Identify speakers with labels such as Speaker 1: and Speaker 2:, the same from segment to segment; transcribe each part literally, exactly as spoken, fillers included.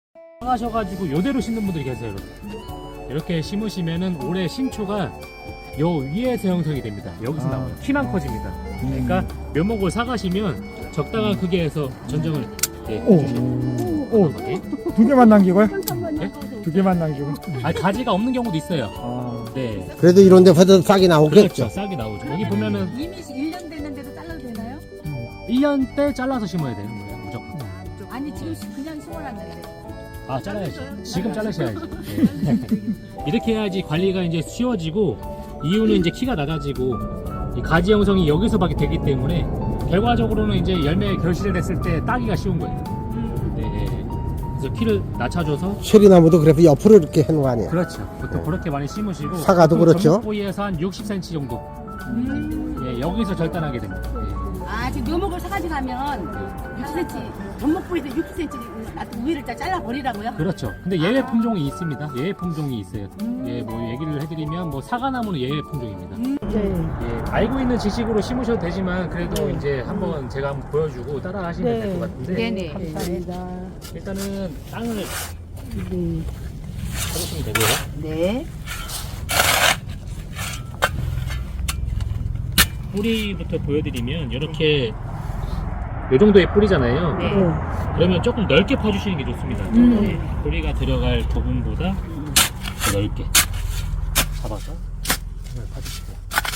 Speaker 1: 하셔가지고 요대로 심는 분들이 계세요. 이렇게, 이렇게 심으시면은 올해 신초가 요 위에서 형성이 됩니다. 여기서
Speaker 2: 아.
Speaker 1: 나와요. 키만 커집니다. 그러니까 묘목을 사가시면 적당한 크기에서 전정을 이렇게
Speaker 2: 오.
Speaker 1: 해주시면
Speaker 2: 오, 두 개만 남기고요? 두 개만 남기고.
Speaker 1: 아 가지가 없는 경우도 있어요.
Speaker 2: 아,
Speaker 1: 네.
Speaker 3: 그래도 이런 데보다 싸게
Speaker 1: 그렇죠.
Speaker 3: 나오겠죠.
Speaker 1: 싹이 나오죠. 여기 보면은
Speaker 4: 이미 일 년 됐는데도 잘라도 되나요?
Speaker 1: 일 년 때 잘라서 심어야 되는 거예요. 무조건.
Speaker 4: 아니 지금 그냥 심어놨는데.
Speaker 1: 아 잘라야지. 지금 자르셔야지. 네. 이렇게 해야지 관리가 이제 쉬워지고 이유는 이제 키가 낮아지고 이 가지 형성이 여기서밖에 되기 때문에 결과적으로는 이제 열매 결실됐을 때 따기가 쉬운 거예요. 네. 그래서 키를 낮춰줘서
Speaker 3: 체리나무도 그래서 옆으로 이렇게 해놓은 거 아니에요.
Speaker 1: 그렇죠. 보통
Speaker 3: 네.
Speaker 1: 그렇게 많이 심으시고
Speaker 3: 사과도
Speaker 1: 보통
Speaker 3: 그렇죠.
Speaker 1: 전목보이에서 한 육십 센티미터 정도.
Speaker 4: 음.
Speaker 1: 예, 여기서 절단하게 됩니다. 예.
Speaker 4: 아 지금 묘목을 사가지고 가면 육십 센티미터 전목부에서 육십 센티미터 놔두고 위를 다 잘라버리라고요?
Speaker 1: 그렇죠. 근데 예외 품종이 있습니다. 예외 품종이 있어요. 예, 뭐 얘기를 해드리면 뭐 사과나무는 예외 품종입니다. 예, 알고 있는 지식으로 심으셔도 되지만 그래도 이제 한번 제가 한번 보여주고 따라 하시면 될 것 같은데
Speaker 4: 네네.
Speaker 5: 감사합니다.
Speaker 1: 일단은 땅을
Speaker 5: 네.
Speaker 1: 쳐주시면 되고요.
Speaker 4: 네.
Speaker 1: 뿌리부터 보여드리면 이렇게 이 정도의 뿌리잖아요.
Speaker 4: 네.
Speaker 1: 그러면 조금 넓게 파주시는 게 좋습니다.
Speaker 4: 음.
Speaker 1: 네, 뿌리가 들어갈 부분보다 더 넓게 잡아서 파주시고요.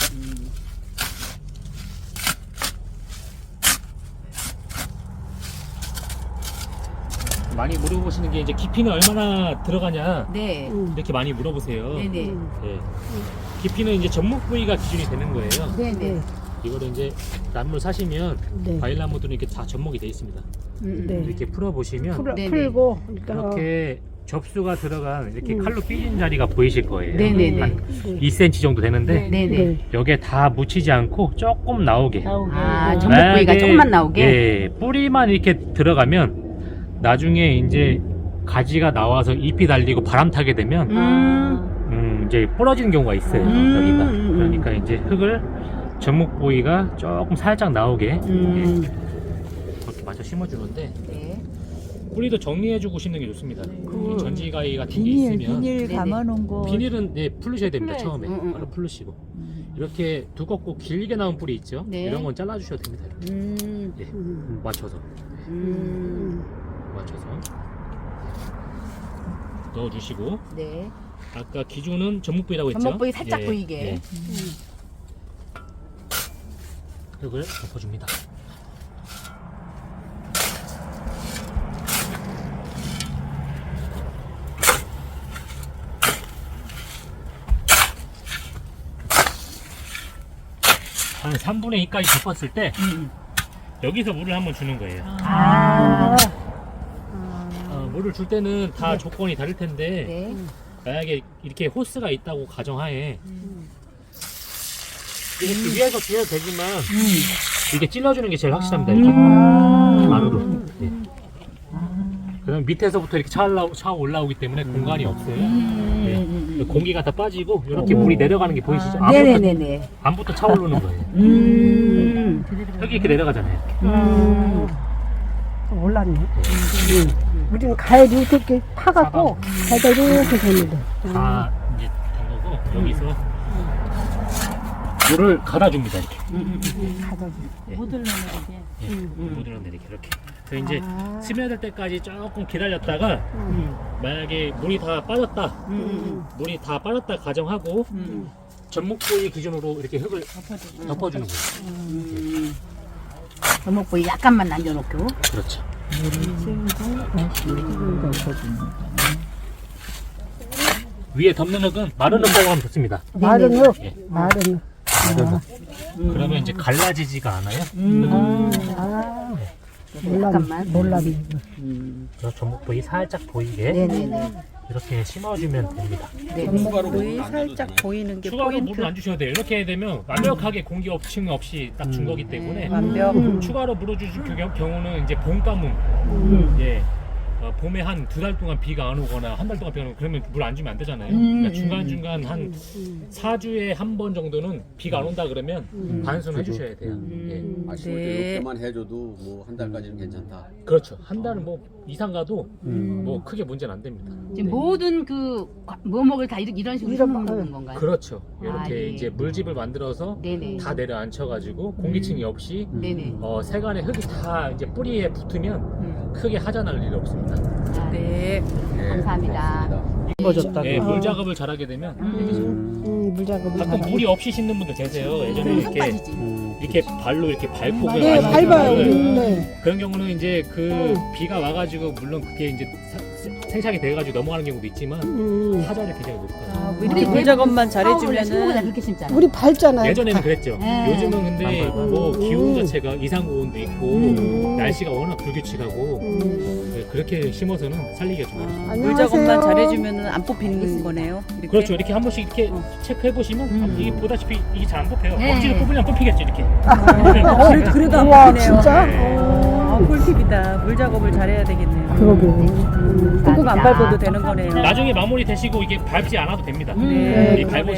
Speaker 1: 많이 물어보시는 게 이제 깊이는 얼마나 들어가냐
Speaker 4: 네.
Speaker 1: 이렇게 많이 물어보세요.
Speaker 4: 네네.
Speaker 1: 네. 깊이는 이제 전목 부위가 기준이 되는 거예요.
Speaker 4: 네네.
Speaker 1: 이거를 이제 나무를 사시면
Speaker 5: 네.
Speaker 1: 과일 나무들은 이렇게 다 접목이 돼 있습니다.
Speaker 5: 네.
Speaker 1: 이렇게 풀어 보시면
Speaker 5: 풀,
Speaker 4: 네네.
Speaker 5: 풀고 그러니까
Speaker 1: 이렇게 접수가 들어간 이렇게
Speaker 5: 음.
Speaker 1: 칼로 삐진 자리가 보이실 거예요.
Speaker 4: 네네네.
Speaker 1: 한
Speaker 5: 네.
Speaker 1: 이 센티미터 정도 되는데
Speaker 4: 네네.
Speaker 5: 네.
Speaker 1: 여기에 다 묻히지 않고 조금 나오게.
Speaker 4: 아
Speaker 5: 네.
Speaker 4: 전목부위가
Speaker 1: 만약에,
Speaker 4: 조금만 나오게.
Speaker 1: 예, 뿌리만 이렇게 들어가면 나중에 이제 가지가 나와서 잎이 달리고 바람 타게 되면
Speaker 4: 음.
Speaker 1: 음, 이제 부러지는 경우가 있어요.
Speaker 4: 음.
Speaker 1: 여기가.
Speaker 4: 음.
Speaker 1: 그러니까 이제 흙을 전목 부위가 조금 살짝 나오게
Speaker 4: 음.
Speaker 1: 예, 그렇게 맞춰 심어주는데
Speaker 4: 네.
Speaker 1: 뿌리도 정리해주고 심는 게 좋습니다. 이 전지가위 같은 게
Speaker 5: 비닐
Speaker 1: 있으면
Speaker 5: 비닐
Speaker 4: 네네.
Speaker 5: 감아놓은 거
Speaker 1: 비닐은 네, 풀르셔야 됩니다.
Speaker 5: 풀러야지.
Speaker 1: 처음에
Speaker 4: 음, 음.
Speaker 1: 바로 풀르시고 이렇게 두껍고 길게 나온 뿌리 있죠.
Speaker 4: 네.
Speaker 1: 이런 건 잘라주셔도 됩니다. 이렇게.
Speaker 4: 음.
Speaker 1: 예,
Speaker 5: 음.
Speaker 1: 맞춰서
Speaker 4: 음.
Speaker 1: 맞춰서 넣어주시고
Speaker 4: 네.
Speaker 1: 아까 기준은 전목 부위라고 했죠.
Speaker 4: 전목 부위 살짝
Speaker 1: 예,
Speaker 4: 보이게.
Speaker 1: 예. 흙을 덮어줍니다. 한 삼분의 이까지 덮었을 때
Speaker 4: 음.
Speaker 1: 여기서 물을 한번 주는 거예요.
Speaker 4: 아.
Speaker 1: 어, 물을 줄 때는 다 조건이 다를 텐데
Speaker 4: 네.
Speaker 1: 만약에 이렇게 호스가 있다고 가정하에 이렇게 위에서 주셔도 되지만 이렇게 찔러주는 게 제일 확실합니다. 이렇게 가루로. 네. 그럼 밑에서부터 이렇게 차, 올라, 차 올라오기 때문에 공간이 없어요. 네. 공기가 다 빠지고 이렇게 물이 내려가는 게 보이시죠? 암부터,
Speaker 4: 네네네네.
Speaker 1: 암부터 차오르는 거예요.
Speaker 4: 음.
Speaker 1: 흙이 이렇게 내려가잖아요.
Speaker 4: 음.
Speaker 5: 올랐네. 우리는 가을이 이렇게 파갖고 가다 이렇게 됩니다.
Speaker 1: 다 이제 된 거고 여기서 물을 갈아줍니다. 이렇게.
Speaker 5: 가다
Speaker 4: 못 올라오게.
Speaker 1: 예, 물을 내리게 이렇게. 그래서 이제 스며들 때까지 조금 기다렸다가 만약에 물이 다 빠졌다,
Speaker 4: 음.
Speaker 1: 물이 다 빠졌다 가정하고
Speaker 4: 음.
Speaker 1: 전목 부위 기준으로 이렇게 흙을 덮어주는 거예요.
Speaker 4: 음. 전목 부위 약간만 남겨놓고.
Speaker 1: 그렇죠. 위에 덮는 흙은 마른 흙이라고 하면 좋습니다.
Speaker 5: 마른 흙,
Speaker 1: 예.
Speaker 5: 마른 흙.
Speaker 1: 마른 흙. 그러면 이제 갈라지지가 않아요.
Speaker 4: 음.
Speaker 5: 아, 몰랐네.
Speaker 4: 약간만.
Speaker 5: 몰랐네.
Speaker 1: 그래서 전목 부위 살짝 보이게
Speaker 4: 네네네.
Speaker 1: 이렇게 심어주면 됩니다.
Speaker 4: 네.
Speaker 5: 거의 살짝 보이는 게
Speaker 1: 추가로
Speaker 5: 포인트.
Speaker 1: 물을 안 주셔도 돼요. 이렇게 되면 완벽하게 공기 업층 없이 딱 준 거기 때문에
Speaker 5: 완벽.
Speaker 1: 추가로 물어주실 경우- 경우는 이제 봄 가뭄, 예, 어, 봄에 한 두 달 동안 비가 안 오거나 한 달 동안 비가 안 오고 그러면 물 안 주면 안 되잖아요.
Speaker 4: 음,
Speaker 1: 그러니까 중간중간 한 사 주에 한 번 정도는 비가 안 온다 그러면 반수는 해주셔야 돼요. 예.
Speaker 6: 아쉬울 때
Speaker 5: 네.
Speaker 6: 이렇게만 해줘도 뭐 한 달까지는 괜찮다.
Speaker 1: 그렇죠. 한 달은 뭐 이상 가도 뭐 크게 문제는 안 됩니다.
Speaker 4: 지금 모든 그 뭐먹을 다 이런, 이런 식으로 심는 건가요?
Speaker 1: 그렇죠. 이렇게
Speaker 4: 아, 예.
Speaker 1: 이제 물집을 만들어서
Speaker 4: 네네.
Speaker 1: 다 내려앉혀가지고 공기층이 없이
Speaker 4: 네네.
Speaker 1: 어, 세간의 흙이 다 이제 뿌리에 붙으면
Speaker 4: 음.
Speaker 1: 크게 하자날 일이 없습니다.
Speaker 4: 아,
Speaker 5: 네.
Speaker 4: 감사합니다.
Speaker 5: 예뻐졌다고.
Speaker 1: 예, 물 작업을 잘하게 되면 이렇게
Speaker 5: 음, 물 작업을
Speaker 1: 가끔 물이 없이 신는 분들 계세요. 예전에
Speaker 4: 흙
Speaker 1: 이렇게
Speaker 4: 빠지지.
Speaker 1: 이렇게 발로 이렇게 밟고 그냥
Speaker 5: 네,
Speaker 1: 완전히
Speaker 5: 밟아요.
Speaker 1: 그걸
Speaker 5: 네.
Speaker 1: 그런 경우는 이제 그 비가 와가지고 물론 그게 이제 사- 생착이 돼가지고 넘어가는 경우도 있지만 하자를 굉장히 높아요.
Speaker 5: 아, 이렇게 물 작업만
Speaker 4: 잘해주면은
Speaker 5: 잘해주면은
Speaker 4: 그렇게 심잖아.
Speaker 5: 우리 밟잖아요.
Speaker 1: 예전에는 그랬죠.
Speaker 4: 네.
Speaker 1: 요즘은 근데 뭐 기온 자체가 이상 고온도 있고 날씨가 워낙 불규칙하고 네, 그렇게 심어서는 살리기가 좀 어렵습니다.
Speaker 5: 아, 물 작업만 잘해주면은 안 뽑히는 거네요. 이렇게.
Speaker 1: 그렇죠. 이렇게 한 번씩 이렇게 체크해 보시면 이게 보다시피 이게 잘 안 뽑혀요.
Speaker 4: 네.
Speaker 1: 억지로 뽑으면 뽑히겠죠 이렇게.
Speaker 5: 어, 그래도, 그래도 안
Speaker 2: 우와,
Speaker 5: 뽑히네요.
Speaker 2: 진짜?
Speaker 1: 네.
Speaker 5: 아, 꿀팁이다. 물 작업을 잘해야 되겠네요.
Speaker 2: 그러게.
Speaker 5: 꾹꾹 안 밟아도 되는 거네요.
Speaker 1: 나중에 마무리 되시고 이게 밟지 않아도 됩니다.
Speaker 5: 네.
Speaker 1: 이 밟으